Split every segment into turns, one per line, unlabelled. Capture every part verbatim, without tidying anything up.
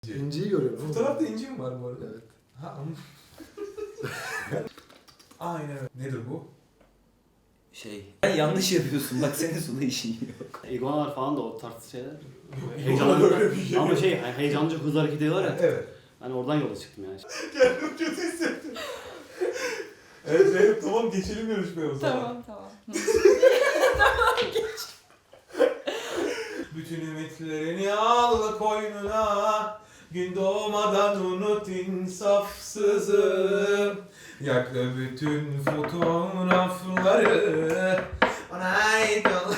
İnciyi görüyorum.
Fotoğrafta inci mi var bu arada?
Evet.
Ha, aynen öyle. Nedir bu?
Şey, sen yanlış yapıyorsun. Bak senin sonunda işin yok.
İguanalar falan da o tarz şeyler.
İguana böyle bir şey
Ama
yok.
şey hani heyecanlıca hızlı hareket ediyorlar ya.
Evet.
Ben oradan yola çıktım yani.
Kendimi kötü hissettim. Evet Zeynep tamam geçelim yarışmaya o zaman.
Tamam tamam.
Bütün ümitlerini al koynuna, gün doğmadan unut insafsızım. Yak bütün fotoğrafları bana ait ol.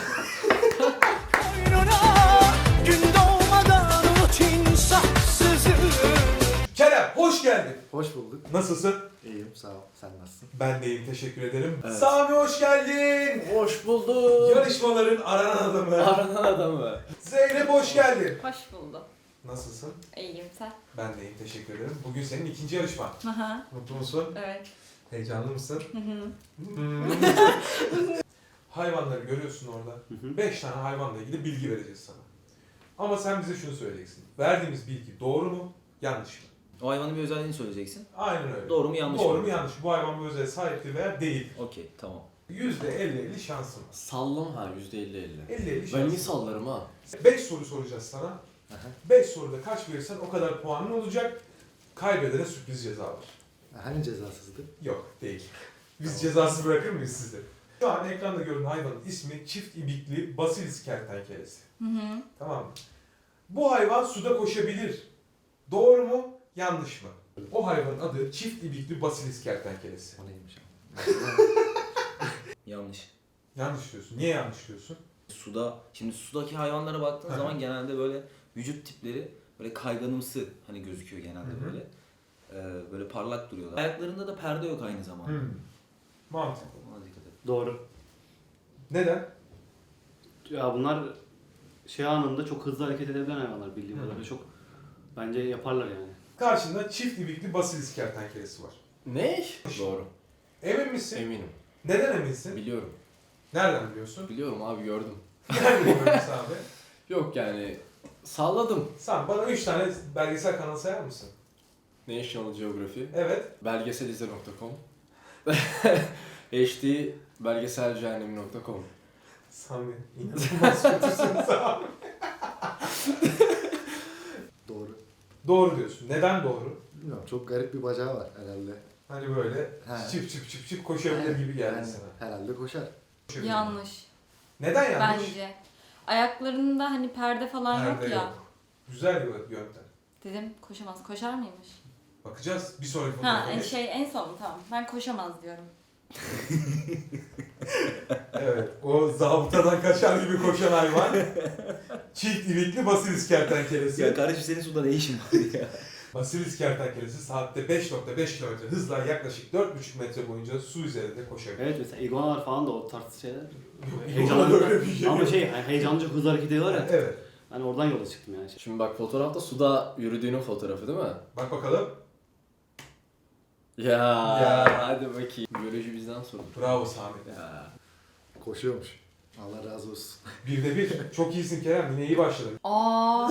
Kerem hoş geldin.
Hoş bulduk.
Nasılsın?
İyiyim, sağ ol. Sen nasılsın?
Ben de iyiyim, teşekkür ederim.
Evet.
Sami hoş geldin.
Hoş bulduk.
Yarışmaların aranan adamı.
Aranan adamı.
Zeynep hoş geldin.
Hoş buldum.
Nasılsın?
İyiyim sen.
Ben de iyiyim, teşekkür ederim. Bugün senin ikinci yarışman.
Aha.
Mutlu musun?
Evet.
Heyecanlı mısın?
Hı hı.
Hmm. Hayvanları görüyorsun orada.
Hı hı.
Beş tane hayvanla ilgili bilgi vereceğiz sana. Ama sen bize şunu söyleyeceksin. Verdiğimiz bilgi doğru mu, yanlış mı?
O hayvanın bir özelliğini söyleyeceksin.
Aynen öyle.
Doğru mu yanlış
Doğru
mı?
mu yanlış mı? Bu hayvan bu özelliğe sahiptir veya değil.
Okey, tamam.
yüzde elli elli şansın var.
Sallam ha yüzde elli elli.
elli elli
Ben
şansın
iyi
var.
sallarım ha.
beş soru soracağız sana. beş soruda kaç verirsen o kadar puanın olacak. Kaybedene sürpriz ceza var.
Hani cezasızdı?
Yok, değil. Biz cezasız bırakır mıyız sizi? Şu an ekranda görünen hayvanın ismi çift ibikli basilis kertenkelesi.
Hı hı.
Tamam mı? Bu hayvan suda koşabilir. Doğru mu? Yanlış mı? O hayvanın adı çift ibikli basilis kertenkelesi.
O neymiş ama?
Yanlış.
Yanlış diyorsun. Niye yanlış diyorsun?
Suda, şimdi sudaki hayvanlara baktığın
Hı hı.
zaman genelde böyle vücut tipleri böyle kayganımsı hani gözüküyor genelde
Hı hı.
böyle. Ee, böyle parlak duruyorlar. Ayaklarında da perde yok aynı zamanda.
Hmm. Mantıklı.
Ona dikkat et.
Doğru.
Neden?
Ya bunlar şey anında çok hızlı hareket edebilen hayvanlar bildiğim
Hı.
kadarıyla çok bence yaparlar yani.
Karşında çift ibikli basilis kertenkelesi var.
Ne? Doğru.
Emin misin?
Eminim.
Neden eminsin?
Biliyorum.
Nereden biliyorsun?
Biliyorum abi gördüm.
Nereden biliyorsun abi?
Yok yani salladım.
Sen bana üç tane belgesel kanalı sayar mısın?
National Geography,
Evet.
belgeselize nokta com, H D belgeselcehennemi nokta com.
Sami inanılmaz kötüsün Sami.
Doğru.
Doğru diyorsun. Neden doğru?
Bilmiyorum, çok garip bir bacağı var herhalde.
Hani böyle
He.
çıp çıp çıp çıp koşabilir gibi geldi
Yani
sana.
herhalde koşar.
Koşabilir.
Yanlış.
Neden yanlış?
Bence. Ayaklarında hani perde falan
Perde
yok ya.
yok. Güzel bir yöntem.
Dedim koşamaz. Koşar mıymış?
Bakacağız bir sonraki
Ha
fotoğrafa
en
geç.
şey en son tamam. Ben koşamaz diyorum.
Evet. O zabıtadan kaçar gibi koşan hayvan. Çift ibikli basilis kertenkelesi.
Ya kardeşim senin suda ne işin var ya?
Basilis kertenkelesi saatte beş nokta beş kilometre hızla yaklaşık dört buçuk metre boyunca su üzerinde koşabilir.
Evet mesela iguanalar falan da o tarz şeyler.
Yok,
Heyecanlı
öyle bir şey
Ama
yok.
şey hani heyecanlıca hızlı hareket ediyorlar ya.
Evet.
Ben oradan yola çıktım yani.
Şimdi bak fotoğrafta suda yürüdüğünün fotoğrafı değil mi?
Bak bakalım.
Ya,
Ya.
hadi bakayım. Biyoloji bizden sorulur.
Bravo Sami.
Ya.
Koşuyormuş. Allah razı olsun.
Bir de bir. Çok iyisin Kerem. Yine iyi başladın.
Aa.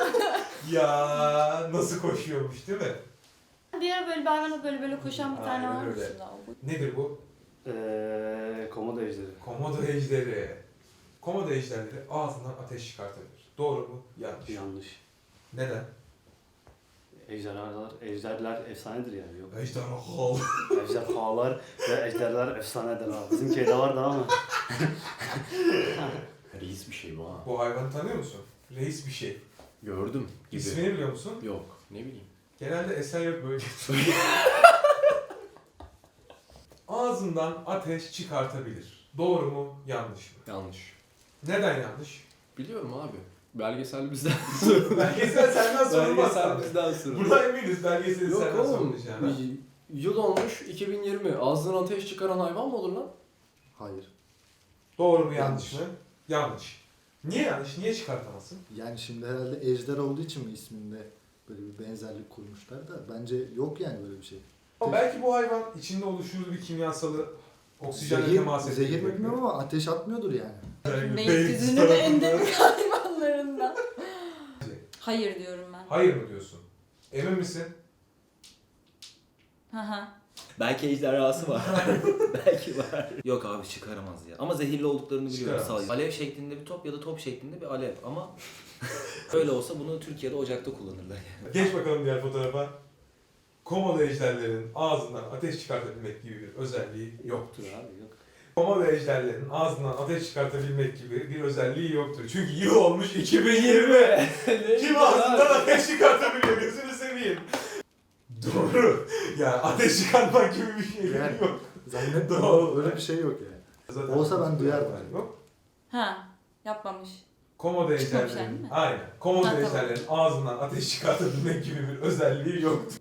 Ya nasıl koşuyormuş değil mi?
Bir ara böyle bir hayvana böyle böyle koşan bir tane
Aynen
var
öyle.
aslında.
Nedir bu?
Eee komodo ejderi.
Komodo ejderi. Komodo ejderleri ağzından ateş çıkartabilir. Doğru mu? Yanlış.
Yanlış.
Neden?
Ejderhalar, ejderler efsanedir yani. Yok.
Ejderha.
Ejderhalar ve ejderler efsanedir abi. Bizim köyde vardı ama.
Reis bir şey bu ha.
Bu hayvanı tanıyor musun? Reis bir şey.
Gördüm gibi.
İsmini biliyor musun?
Yok ne bileyim.
Genelde Esenyurt bölgesi. Ağzından ateş çıkartabilir. Doğru mu? Yanlış mı?
Yanlış.
Neden yanlış?
Biliyorum abi. Belgesel bizden sorulur.
Belgesel senden sorulmaz.
Belgesel
Sami.
bizden sorulur.
Burada eminiz belgeseli
Yok
senden
oğlum.
sorulacağına.
y- Yıl olmuş iki bin yirmi. Ağzından ateş çıkaran hayvan mı olur lan?
Hayır.
Doğru mu yanlış,
Yanlış.
mı? Yanlış. Niye yanlış? Niye çıkartamazsın?
Yani şimdi herhalde ejder olduğu için mi isminde böyle bir benzerlik kurmuşlar da bence yok yani böyle bir şey.
Ama belki bu hayvan içinde oluşturduğu bir kimyasalı oksijenle
Zehir,
temas ediyor.
zehir mi bilmiyorum ama ateş atmıyordur yani.
Beylikdüzü'nün de endemik hayvanlarından. Hayır diyorum ben.
Hayır mı diyorsun? Emin misin?
Hı hı.
Belki ejderhası var. Belki var. Yok abi çıkaramaz ya. Ama zehirli olduklarını biliyorum
Çıkaramaz.
sadece. Alev şeklinde bir top ya da top şeklinde bir alev ama öyle olsa bunu Türkiye'de ocakta kullanırlar yani.
Geç bakalım diğer fotoğrafa. Komodo ejderlerin ağzından ateş çıkartabilmek gibi bir özelliği yoktur.
Yoktur abi yok.
Komodo ejderlerin ağzından ateş çıkartabilmek gibi bir özelliği yoktur. Çünkü yıl olmuş iki bin yirmi. Kim ağzından ateş çıkartabiliyor gözünü seveyim. Doğru. Yani ateş çıkartmak gibi bir şey
Yani.
yok.
Zannetmiyorum.
Doğru.
Öyle bir şey yok yani.
Zaten
Olsa ben duyardım.
Yok.
Ha, yapmamış.
Komodo
Çıkmamış
ejderlerin,
yani, değil mi?
aynen. Komodo
Ha, tamam.
ejderlerin ağzından ateş çıkartabilmek gibi bir özelliği yoktur.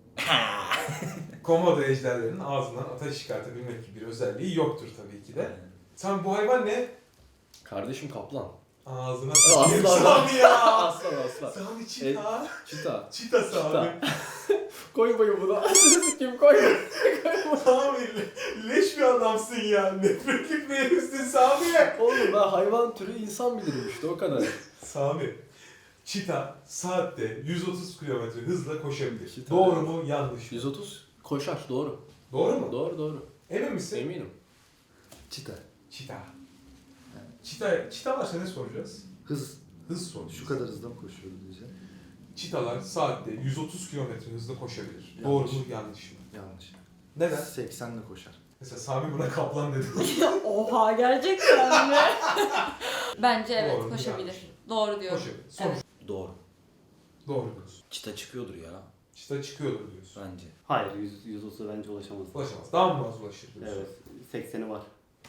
Komodo ejderlerin ağzından ateş çıkartabilmek gibi bir özelliği yoktur tabii ki de. Sen bu hayvan ne?
Kardeşim kaplan.
Ağzına
Aslan.
sıçayım Sami ya.
Aslan aslan.
Sami çita.
Çita.
Çita Sami.
Koy bayı buna. Kim koyma.
Sami le- leş bir adamsın ya. Nefretlik bir herifsin Sami.
Oğlum ben hayvan türü insan bilirim işte o kadar.
Sami. Çita saatte yüz otuz kilometre hızla koşabilir.
Çita.
Doğru mu yanlış mı?
yüz otuz koşar doğru.
Doğru mu?
Doğru doğru.
Emin misin?
Eminim.
Çita.
Çita. Çita, çita varsa ne soracağız?
Hız.
Hız soracağız.
Şu kadar hızla mı koşuyor diyeceğim.
Çitalar saatte yüz otuz kilometre hızla koşabilir.
Yanlış.
Doğru mu yanlış mı?
Yanlış.
Neden?
seksenle koşar.
Mesela Sami buna kaplan dedi.
Oha, gerçekten mi? Bence evet,
Doğru mu,
koşabilir.
yanlış mı?
Doğru diyorum.
Koşabilir. Sonuç.
Evet.
Doğru.
Doğru diyorsun.
Çıta çıkıyordur ya
Çita çıkıyordur diyorsun.
bence.
Hayır yüz, yüz otuza bence ulaşamaz.
Ulaşamaz. Daha mı az ulaşır diyorsun?
Evet. sekseni var.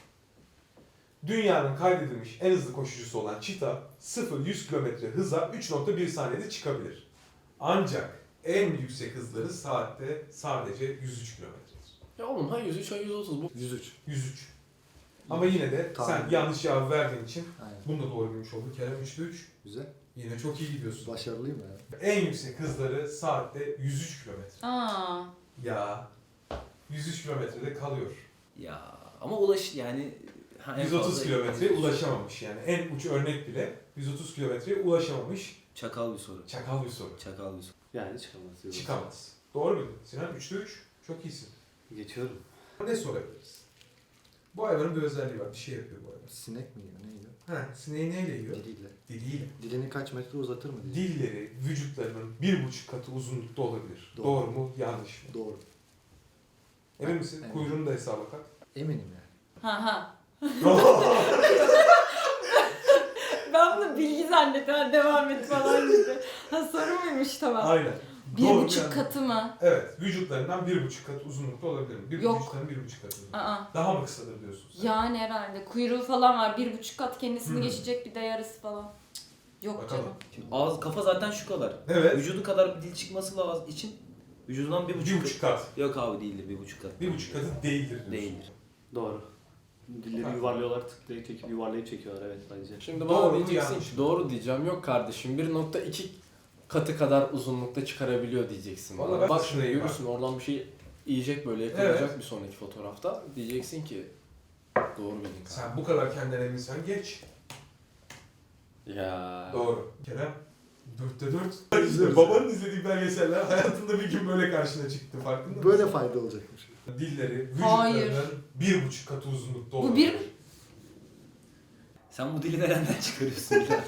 Dünyanın kaydedilmiş en hızlı koşucusu olan çita sıfır yüz kilometre hıza üç nokta bir saniyede çıkabilir. Ancak en yüksek hızları saatte sadece yüz üç kilometredir.
Ya oğlum ha yüz üç ha yüz otuz bu.
yüz üç.
yüz üç. Ama yine de
Tamam.
sen yanlış cevap verdiğin için
Aynen.
bunu da doğru bilmiş oldun. Kerem üçte üç.
Güzel.
Yine çok iyi gidiyorsun.
Başarılıyım ya.
En yüksek hızları saatte yüz üç kilometre.
Aa,
Ya yüz üç kilometrede kalıyor.
Ya ama ulaş yani ha, en
yüz otuz
fazla-
kilometreye ulaşamamış yani. En uç örnek bile yüz otuz kilometreye ulaşamamış.
Çakal bir soru.
Çakal bir soru.
Çakal bir soru.
Yani çıkamaz. yüz otuz.
Çıkamaz. Doğru bildin. Sinan üçte üç. Çok iyisin.
Geçiyorum.
Ne sorabiliriz? Bu hayvanın bir özelliği var. Bir şey yapıyor bu hayvan.
Sinek mi yiyor? Ne yiyor?
Ha, sineği neyle yiyor?
Diliyle.
Diliyle.
Dilini kaç metre uzatır mı diye.
Dilleri vücutlarının bir buçuk katı uzunlukta olabilir. Doğru,
Doğru.
mu? Yanlış mı?
Doğru.
Emin misin?
Eminim.
Kuyruğunu da hesaba kat.
Eminim yani.
ha ha. Ben bunu bilgi zannettim. Ha, devam et falan gibi. Ha, soru muymuş, tamam.
Aynen.
Bir
Doğru,
buçuk
yani.
katı mı?
Evet. Vücutlarından bir buçuk kat uzunlukta olabilir mi? Bir
Yok.
vücutların bir buçuk katı uzunlukta.
Aa.
Daha mı kısadır diyorsun sen?
Yani herhalde. Kuyruğu falan var. Bir buçuk kat kendisini
Hmm.
geçecek, bir de yarısı falan. Cık, yok
Bakalım.
canım.
Şimdi ağız kafa zaten şu kadar.
Evet.
Vücudu kadar bir dil çıkması lazım için vücudundan bir
Bir
buçuk,
buçuk kat.
Yok abi değildir bir buçuk kat.
Bir buçuk katı değildir diyorsun.
Değildir.
Doğru. Dilleri
Ha.
yuvarlıyorlar, tıklayıp çekip yuvarlayıp çekiyorlar evet bence.
Şimdi
Doğru
bana
mu,
diyeceksin
yanlış
ki
mı?
doğru diyeceğim. Yok kardeşim bir nokta iki katı kadar uzunlukta çıkarabiliyor diyeceksin
Vallahi
bana.
ben
Bak
de
şimdi
şurayı
görürsün oradan bir şey yiyecek böyle yakalayacak
Evet.
bir sonraki fotoğrafta. Diyeceksin ki doğru bildin kardeşim.
Sen bu kadar kendinden eminsen geç.
Ya.
Doğru. Kerem. Dörtte dört. İşte babanın izlediği belgeseller hayatında bir gün böyle karşına çıktı. Farkında mısın?
Böyle fayda olacakmış.
Dilleri
Hayır.
vücutlarının bir buçuk katı uzunlukta
Bu
olabilir.
bir-
Sen bu dili nereden çıkarıyorsun ya?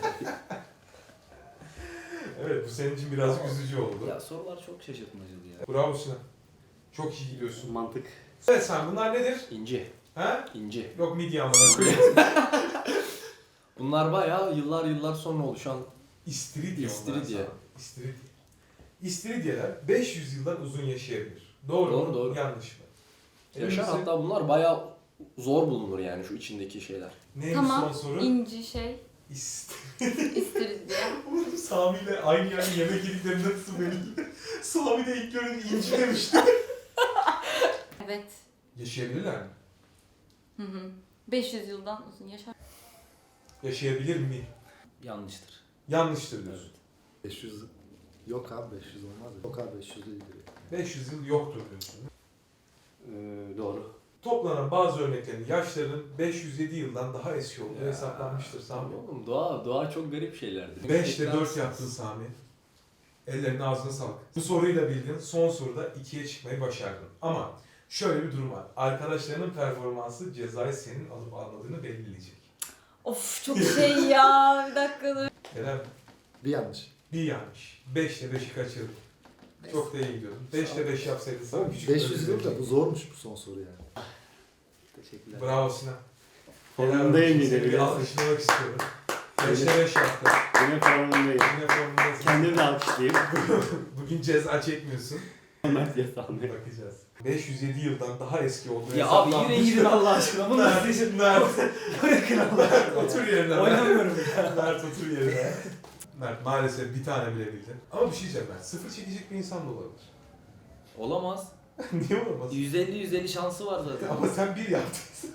Evet bu senin için biraz üzücü oldu.
Ya sorular çok şaşırtmacılı ya.
Bravo Sinan. Çok iyi gidiyorsun.
Mantık.
Evet sen bunlar nedir?
İnci.
Ha?
İnci.
Yok midye amına koyayım.
Bunlar bayağı yıllar yıllar sonra oluşan
İstiridye onlar
İstiridye.
sana. İstiridye. İstiridyeler beş yüz yıldan uzun yaşayabilir. Doğru,
Doğru,
mu?
doğru.
Yanlış mı? Emin
yaşar.
misin?
Hatta bunlar bayağı zor bulunur yani şu içindeki şeyler.
Neymiş
Tamam.
son soru?
İnci şey
İstiridye.
isteriz diye.
Oğlum Sami ile aynı yerde yemek yediklerinde nasıl benim? Sami de ilk görünce inci demişti.
Evet.
Yaşayabilirler mi?
Hı hı. beş yüz yıldan uzun yaşar.
Yaşayabilir mi?
Yanlıştır.
Yanlıştır diyorsun.
beş yüz. Yok abi beş yüz olmaz. Yok abi beş yüz değildir.
beş yüz yıl yoktur diyorsun.
Ee, doğru.
Toplanan bazı örneklerin yaşlarının beş yüz yedi yıldan daha eski olduğu
Ya.
hesaplanmıştır Sami.
Oğlum doğa, doğa çok garip şeylerdir.
beşte dört
Beklersiniz.
yaptın Sami. Ellerine ağzına sağlık. Bu soruyu da bildin. Son soruda ikiye çıkmayı başardın. Ama şöyle bir durum var. Arkadaşlarının performansı cezayı senin alıp almadığını belirleyecek.
Of çok şey ya. Bir dakika dur.
Kerem
Bir yanlış.
bir yanlış. beşte beşi kaçırdın. Çok da iyi gidiyordun. beşte beş yapsaydın sana küçük
beş
bir
yüz
ödül
yıl da bu
verecektim.
zormuş bu son soru yani.
Teşekkürler.
Bravo Sinan.
Formundayım yine
Seni bir
biraz.
alkışlamak istiyorum. beşte beş yaptı.
Yine formundayım.
Yine formundasın.
Kendimi de alkışlayayım.
Bugün ceza çekmiyorsun.
Mert yasağını.
Bakacağız. beş yüz yedi yıldan daha eski olduğu
Ya abi yine
hesaplanmış.
girin Allah aşkına. Bunu
Mert,
nasıl
Mert,
bırakın Allah
Mert, otur yerine. Mert.
Oynamıyorum ya.
Mert otur yerine. Mert maalesef bir tane bile bildin. Ama bir şey diyeceğim Mert. Sıfır çekecek bir insan da olabilir.
Olamaz.
Niye olamaz?
yüz elli yüz elli şansı var zaten.
Ama sen bir yaptın.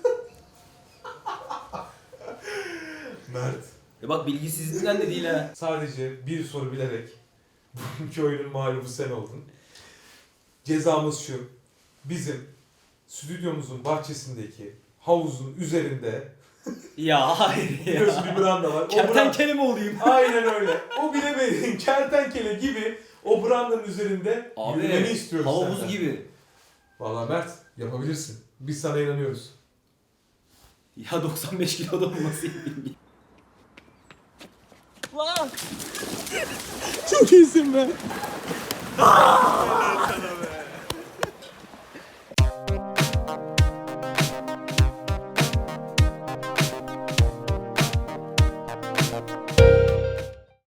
Mert.
Ya bak bilgisizliğinden de değil ha.
Sadece bir soru bilerek bugünkü oyunun mağlubu sen oldun. Cezamız şu. Bizim stüdyomuzun bahçesindeki havuzun üzerinde
Ya hayır ya.
biliyorsun bir branda var. O branda,
Kertenkele mi olayım?
aynen öyle. O bilemediğin kertenkele gibi o brandanın üzerinde
Abi,
yürümeni istiyoruz
Havuz
senden.
gibi.
Vallahi Mert yapabilirsin. Biz sana inanıyoruz.
Ya doksan beş kiloda olması iyi.
Çok iyisin be.